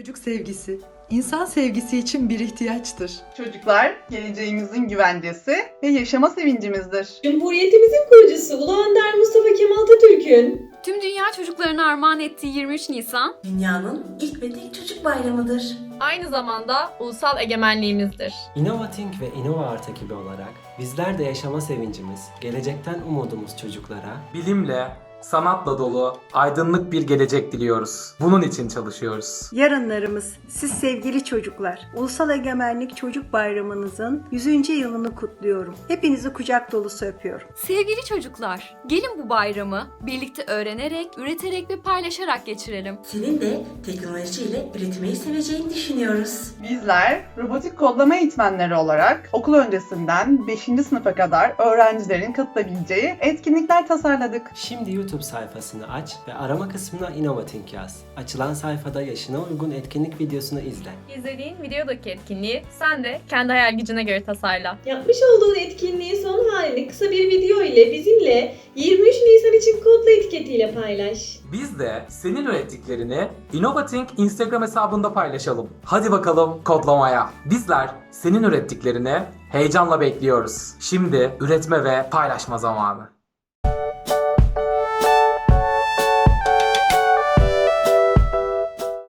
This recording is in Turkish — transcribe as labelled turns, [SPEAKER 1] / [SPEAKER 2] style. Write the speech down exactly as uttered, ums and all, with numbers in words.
[SPEAKER 1] Çocuk sevgisi, insan sevgisi için bir ihtiyaçtır.
[SPEAKER 2] Çocuklar, geleceğimizin güvencesi ve yaşama sevincimizdir.
[SPEAKER 3] Cumhuriyetimizin kurucusu Ulu Önder Mustafa Kemal Atatürk'ün
[SPEAKER 4] Tüm dünya çocuklarına armağan ettiği yirmi üç Nisan,
[SPEAKER 5] Dünyanın ilk ve tek çocuk bayramıdır.
[SPEAKER 6] Aynı zamanda ulusal egemenliğimizdir.
[SPEAKER 7] InnovaThink ve InnovaArt ekibi olarak bizler de yaşama sevincimiz, gelecekten umudumuz çocuklara
[SPEAKER 8] Bilimle, sanatla dolu, aydınlık bir gelecek diliyoruz. Bunun için çalışıyoruz.
[SPEAKER 9] Yarınlarımız, siz sevgili çocuklar, Ulusal Egemenlik Çocuk Bayramınızın yüzüncü yılını kutluyorum. Hepinizi kucak dolusu öpüyorum.
[SPEAKER 4] sevgili çocuklar, gelin bu bayramı birlikte öğrenerek, üreterek ve paylaşarak geçirelim.
[SPEAKER 5] Senin de teknolojiyle üretmeyi seveceğini düşünüyoruz.
[SPEAKER 2] Bizler robotik kodlama eğitmenleri olarak okul öncesinden beşinci sınıfa kadar öğrencilerin katılabileceği etkinlikler tasarladık.
[SPEAKER 7] Şimdi YouTube sayfasını aç ve arama kısmına InnovaThink yaz. Açılan sayfada yaşına uygun etkinlik videosunu izle.
[SPEAKER 6] İzlediğin videodaki etkinliği sen de kendi hayal gücüne göre tasarla.
[SPEAKER 3] yapmış olduğun etkinliğin son halini kısa bir video ile bizimle yirmi üç Nisan için kodla etiketiyle paylaş.
[SPEAKER 8] Biz de senin ürettiklerini InnovaThink Instagram hesabında paylaşalım. Hadi bakalım kodlamaya. Bizler senin ürettiklerini heyecanla bekliyoruz. Şimdi üretme ve paylaşma zamanı.